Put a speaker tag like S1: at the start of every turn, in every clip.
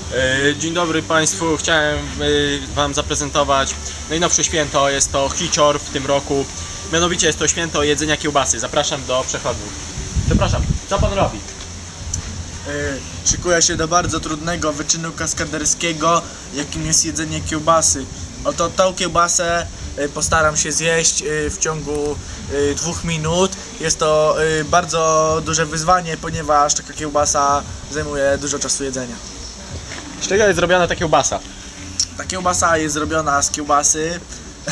S1: Dzień dobry Państwu, chciałem Wam zaprezentować najnowsze święto, jest to Hicior w tym roku. Mianowicie jest to święto jedzenia kiełbasy. Zapraszam do przechodni. Przepraszam, co Pan robi?
S2: Szykuję się do bardzo trudnego wyczynu kaskaderskiego, jakim jest jedzenie kiełbasy. Oto tą kiełbasę postaram się zjeść w ciągu 2 minut. Jest to bardzo duże wyzwanie, ponieważ taka kiełbasa zajmuje dużo czasu jedzenia.
S1: Z czego jest zrobiona ta kiełbasa?
S2: Ta kiełbasa jest zrobiona z kiełbasy.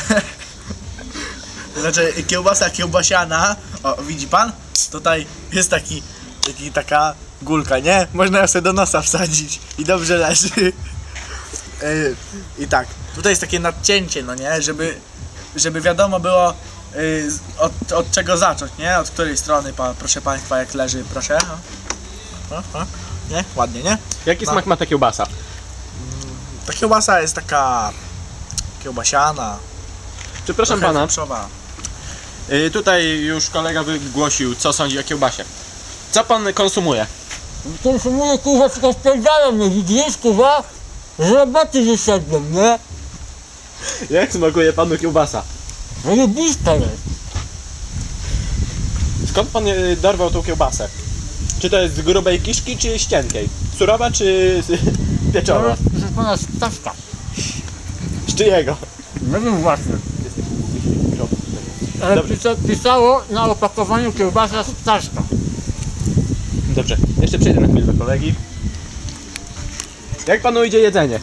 S2: Znaczy kiełbasa kiełbasiana. O, widzi Pan? Tutaj jest taka gulka, nie? Można ją sobie do nosa wsadzić i dobrze leży. I tak, tutaj jest takie nadcięcie, no nie? Żeby wiadomo było od czego zacząć, nie? Od której strony, proszę Państwa, jak leży, proszę. Nie? Ładnie, nie?
S1: Jaki smak ma ta kiełbasa?
S2: Ta kiełbasa jest taka kiełbasiana.
S1: Przepraszam Pana,
S2: wieprzowa.
S1: tutaj już kolega wygłosił, co sądzi o kiełbasie. Co Pan konsumuje?
S3: Konsumuję, kurwa, tylko spędzają mnie, widzisz, kurwa? Z roboty wyszedłem, nie?
S1: Jak smakuje Panu kiełbasa?
S3: Zajebista jest.
S1: Skąd Pan dorwał tą kiełbasę? Czy to jest z grubej kiszki, czy z cienkiej? Surowa, czy pieczowa?
S3: To jest pana stawka.
S1: Z czyjego?
S3: Nie wiem właśnie. Ale
S1: Dobrze.
S3: pisało na opakowaniu kiełbasa stawka.
S1: Dobrze, jeszcze przejdę na chwilę do kolegi. Jak Panu idzie jedzenie?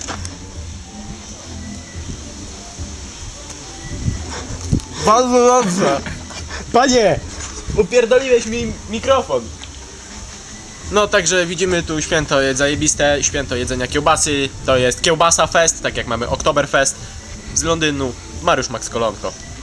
S2: Bardzo dobrze.
S1: Panie! Upierdoliłeś mi mikrofon! No także widzimy tu święto jest zajebiste, święto jedzenia kiełbasy. To jest Kiełbasa Fest, tak jak mamy Oktoberfest z Londynu. Mariusz Max Kolonko.